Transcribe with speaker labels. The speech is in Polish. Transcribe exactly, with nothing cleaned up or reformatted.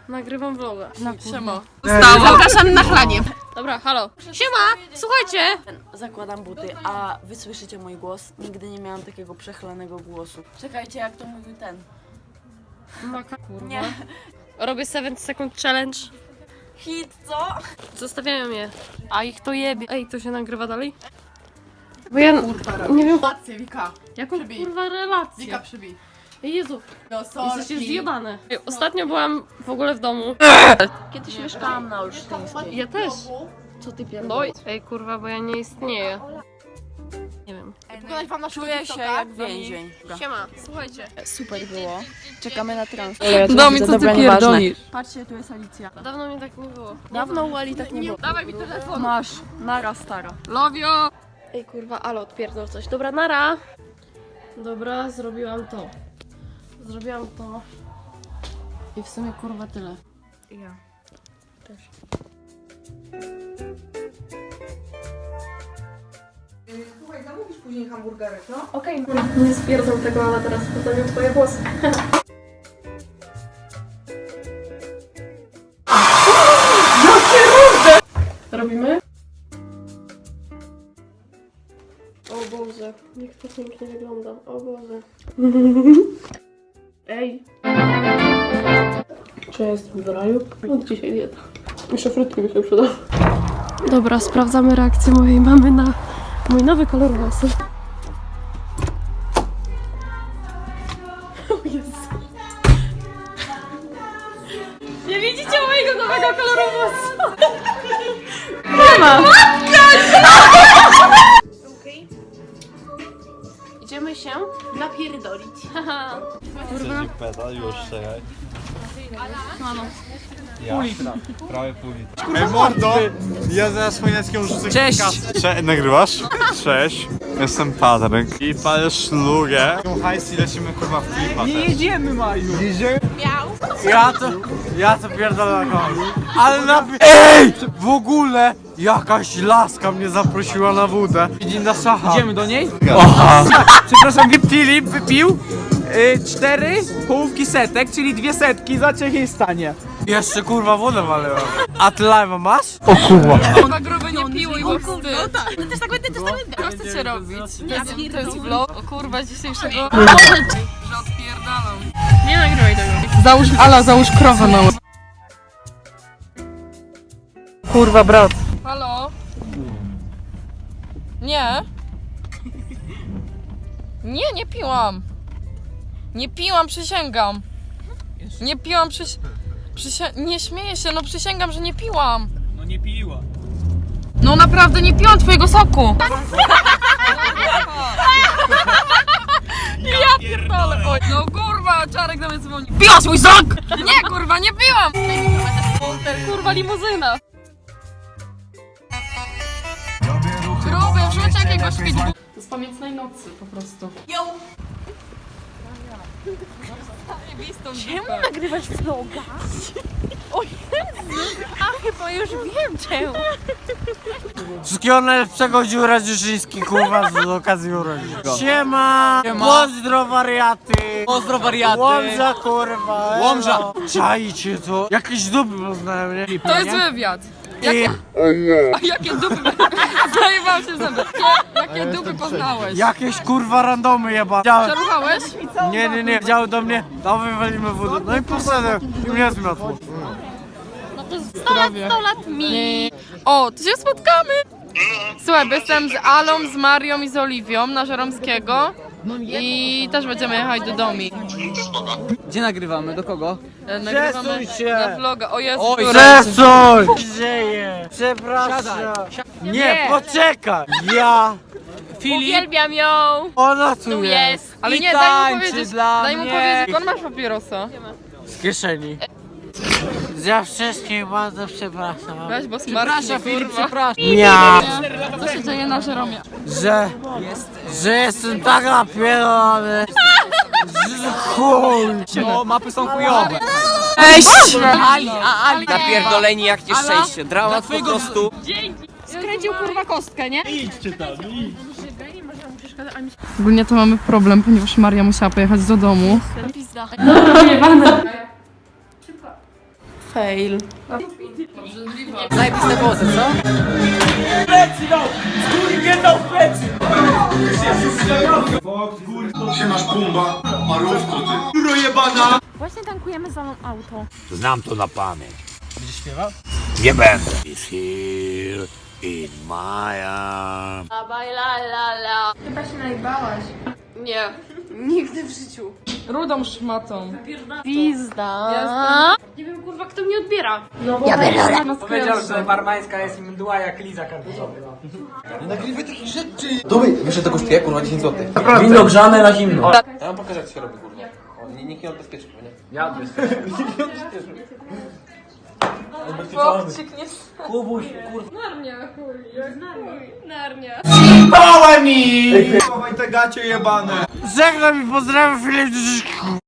Speaker 1: Nagrywam vloga.
Speaker 2: No,
Speaker 1: siema.
Speaker 2: Zapraszam na chlanie.
Speaker 1: Dobra, halo. Siema, słuchajcie.
Speaker 2: Zakładam buty, a wy słyszycie mój głos? Nigdy nie miałam takiego przechlanego głosu. Czekajcie, jak to mówił ten.
Speaker 1: Maka, kurwa.
Speaker 2: Nie.
Speaker 1: Robię seven second challenge.
Speaker 2: Hit, co?
Speaker 1: Zostawiają je. A ich to jebie. Ej, to się nagrywa dalej? Bo ja nie wiem.
Speaker 3: Relację, Wika.
Speaker 1: Jaką
Speaker 3: Przybij.
Speaker 1: kurwa relację?
Speaker 3: Wika, przybij.
Speaker 1: Jezu,
Speaker 3: No
Speaker 1: jesteście
Speaker 3: sorki.
Speaker 1: zjebane. Ej, ostatnio byłam w ogóle w domu.
Speaker 2: Kiedyś mieszkałam na Olsztyńskiej.
Speaker 1: Ja też. Co ty pierdolisz? Ej kurwa, bo ja nie istnieję. Nie wiem.
Speaker 3: Pogadać wam na
Speaker 2: Czuję się jak więzień.
Speaker 1: Siema, słuchajcie.
Speaker 2: Super było. Czekamy na transport.
Speaker 1: Domi, co ty pierdolisz?
Speaker 2: Patrzcie, tu jest Alicja.
Speaker 1: Dawno mnie tak nie było.
Speaker 2: Dawno u Ali tak nie było.
Speaker 1: Dawaj mi telefon.
Speaker 2: Masz, nara stara.
Speaker 1: Lowio! Ej kurwa, ale odpierdol coś. Dobra, nara. Dobra, zrobiłam to. Zrobiłam to. I w sumie kurwa tyle.
Speaker 2: Ja.
Speaker 3: Słuchaj, zamówisz później hamburgerek, no?
Speaker 1: Okej, okay. Nie stwierdzam tego, ale teraz postawię twoje włosy. Robimy? O Boże, jak to pięknie wygląda. O Boże. Ej. Czy ja jestem w raju? Od dzisiaj dieta. Jeszcze frytki mi się przyda. Dobra, sprawdzamy reakcję mojej mamy na mój nowy kolor włosów. O Jezu. Nie widzicie mojego nowego koloru włosów? Nie ma! Idziemy się napierdolić.
Speaker 4: Kurwa. Pedal, już czekaj. Ja. Pół litra. Prawie pół litra. Ej mordo! Ja zaraz Chojneckiemu rzucę
Speaker 5: Cześć!
Speaker 4: Cze nagrywasz? Cześć. Jestem Patryk. I palę szlugę. Hajs i lecimy kurwa w klipa
Speaker 5: Nie
Speaker 4: też.
Speaker 5: jedziemy, Maju! Jedziemy? Ja to, ja to pierdolę na kogoś. Ale na... EJ! W ogóle jakaś laska mnie zaprosiła na wódę. Idzie na szacha. Idziemy do niej? Aha. Przepraszam, Filip wypił y, cztery połówki setek, czyli dwie setki za Czechistanie. Jeszcze kurwa wodę waliłem. A ty live'a masz? O kurwa.
Speaker 1: Kurwa gruby nie piłuj, bo wstyd. No też tak będę, też tak będę. Co chcecie robić? To jest, to jest vlog. O kurwa, dzisiejszego... Że odpierdalam. Nie nagrywaj tego.
Speaker 3: Załóż, Ala, załóż krowę na łeb.
Speaker 5: Kurwa brat.
Speaker 6: Halo? Nie. Nie, nie piłam. Nie piłam, przysięgam. Nie piłam, przyś... Przysię... Nie śmieję się, no przysięgam, że nie piłam.
Speaker 5: No nie piła.
Speaker 6: No naprawdę nie piłam twojego soku. Ja pierdolę. Oj, no kurwa, Czarek do mnie dzwoni. Piłaś mój sok! Nie kurwa, nie piłam.
Speaker 1: Kurwa limuzyna.
Speaker 6: Gruby, wrzuć jakiegoś pitbull.
Speaker 1: Z pamiętnej nocy po prostu.
Speaker 6: Czemu nagrywasz vloga? O Jezu! A chyba już wiem czemu.
Speaker 5: Wszystkiego najlepszego Dziura Dziuszyński, kurwa, z okazji urodzin. Siema! Siema. Pozdro wariaty! Pozdro wariaty! Łomża, kurwa! Łomża! Czajcie to! Jakieś dupy poznałem, nie?
Speaker 6: To jest wywiad. Jakie... A jakie dupy... Zajebałam się w zęby. Jakie, jakie dupy poznałeś?
Speaker 5: Jakieś kurwa randomy jeba.
Speaker 6: Przeruchałeś?
Speaker 5: Nie, nie, nie, działy do mnie, no wywalimy wódę. No i poszedłem i mnie zmiotło.
Speaker 1: sto lat, sto lat mi.
Speaker 6: O, to się spotkamy! Słuchaj, bo jestem z Alą, z Marią i z Oliwią na Żeromskiego. I też będziemy jechać do domu.
Speaker 5: Gdzie nagrywamy? Do kogo?
Speaker 6: E, Nagrywamy
Speaker 5: Przesuń się.
Speaker 6: na vloga. O Jezu,
Speaker 5: Oj,
Speaker 6: które-
Speaker 5: przesuń! Dzieje! Przepraszam! Nie, poczekaj! Ja!
Speaker 1: Uwielbiam ją.
Speaker 5: Ona tu,
Speaker 1: Tu
Speaker 5: jest!
Speaker 1: jest.
Speaker 6: Ale
Speaker 5: I
Speaker 6: nie, daj mu
Speaker 5: tańczy
Speaker 6: powiedzieć,
Speaker 5: dla
Speaker 6: daj mu
Speaker 5: mnie.
Speaker 6: powiedzieć, skąd masz papierosa?
Speaker 5: Z kieszeni. Za wszystkich bardzo przepraszam.
Speaker 6: Weź, bo smarknie, kurwa.
Speaker 5: przepraszam. Ja!
Speaker 6: Co się dzieje na Żeromie?
Speaker 5: Że... Że jestem tak napierdolony! Że chuj!
Speaker 7: No, mapy są chujowe.
Speaker 5: Cześć!
Speaker 7: Ali, a Ali napierdoleni jak nieszczęście. Dramat po prostu.
Speaker 1: Skręcił kurwa kostkę, nie?
Speaker 6: Ogólnie to mamy problem, ponieważ Maria musiała pojechać do domu.
Speaker 2: Fail.
Speaker 7: Zajebiste włosy, co?
Speaker 8: Siemasz Pumba, marówko ty.
Speaker 1: Właśnie tankujemy za mną auto.
Speaker 9: Znam to na pamięć. Będziesz śpiewał? Nie będę. Is here in my arms.
Speaker 1: Chyba się najbałaś.
Speaker 6: Nie, nigdy w życiu. Rudą szmatą.
Speaker 1: Pizda. Nie wiem kurwa kto mnie odbiera.
Speaker 5: Powiedział, że barmańska jest mdła jak liza kartoflowa.
Speaker 7: Dawaj, wiesz, że to kosztuje kurwa dziesięć złotych.
Speaker 5: Wino grzane na zimno.
Speaker 7: Ja wam pokażę, jak się robi kurwa. O, nie- nikt nie odbezpieczy, nie?
Speaker 5: Ja
Speaker 6: Chłopczyk nie...
Speaker 5: Kubuś,
Speaker 1: Narnia, chuj. Narnia.
Speaker 4: Chowaj te gacie jebane.
Speaker 5: żegnam i pozdrawiam Filip.